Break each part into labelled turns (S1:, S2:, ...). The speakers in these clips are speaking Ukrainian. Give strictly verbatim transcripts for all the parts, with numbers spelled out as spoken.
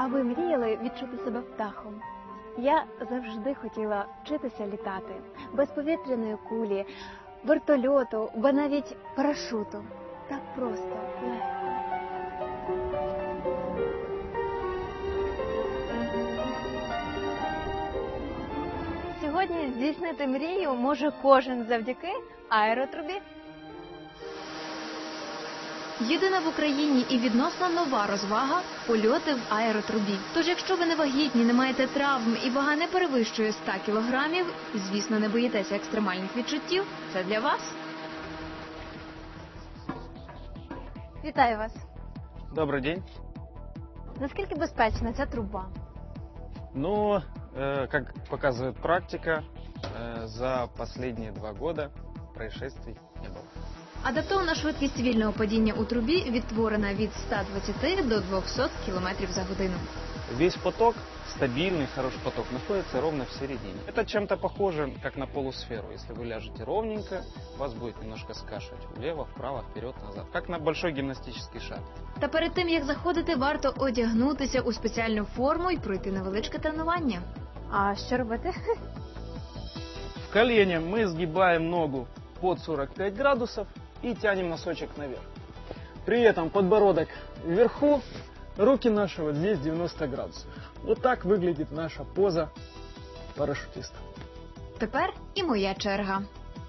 S1: А ви мріяли відчути себе птахом? Я завжди хотіла вчитися літати. Без повітряної кулі, вертольоту, бо навіть парашуту. Так просто, легко. Сьогодні здійснити мрію може кожен завдяки аеротрубі.
S2: Єдина в Україні і відносно нова розвага – польоти в аеротрубі. Тож, якщо ви не вагітні, не маєте травм і вага не перевищує ста кілограмів, і, звісно, не боїтеся екстремальних відчуттів, це для вас.
S1: Вітаю вас.
S3: Добрый день.
S1: Наскільки безпечна ця труба?
S3: Ну, э, как показывает практика, э, за последние два года происшествий не было.
S2: Адаптована швидкість вільного падіння у трубі відтворена від ста двадцяти до двохсот кілометрів за годину.
S3: Весь поток, стабильный, хороший поток, находится ровно в середине. Это чем-то похоже, как на полусферу. Если вы ляжете ровненько, вас будет немножко скашивать влево, вправо, вперед, назад. Как на большой гимнастический шар.
S2: Та перед тим, як заходити, варто одягнутися у спеціальну форму і пройти невеличке тренування.
S1: А що робити?
S3: В колене мы сгибаем ногу под сорок пять градусов и тянем носочек наверх. При этом подбородок вверху, руки наши вот здесь девяносто градусов. Вот так выглядит наша поза парашютиста.
S2: Тепер і моя черга.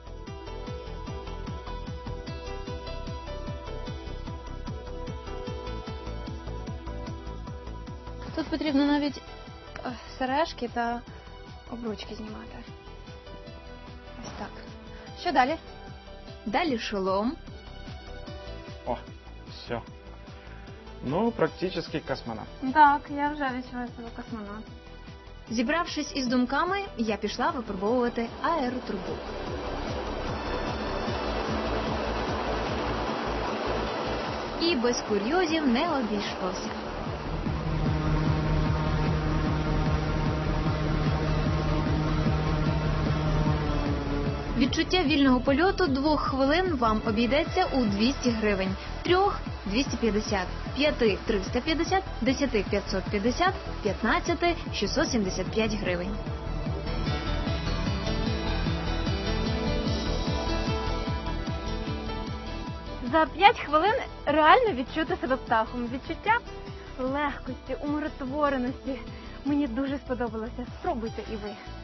S1: Тут потрібно навіть е, сережки та обручки знімати. Ось так. Що далі?
S2: Далі шолом.
S3: О, все. Ну, практически космонавт.
S1: Так, я вже відчуваю себе космонавт.
S2: Зібравшись із думками, я пішла випробовувати аеротрубу. І без курйозів не обійшлося. Відчуття вільного польоту двох хвилин вам обійдеться у двісті гривень, трьох – двісті п'ятдесят, п'яти – триста п'ятдесят, десяти – п'ятсот п'ятдесят, п'ятнадцяти – шістсот сімдесят п'ять гривень.
S1: За п'ять хвилин реально відчути себе птахом. Відчуття легкості, умиротвореності. Мені дуже сподобалося. Спробуйте і ви.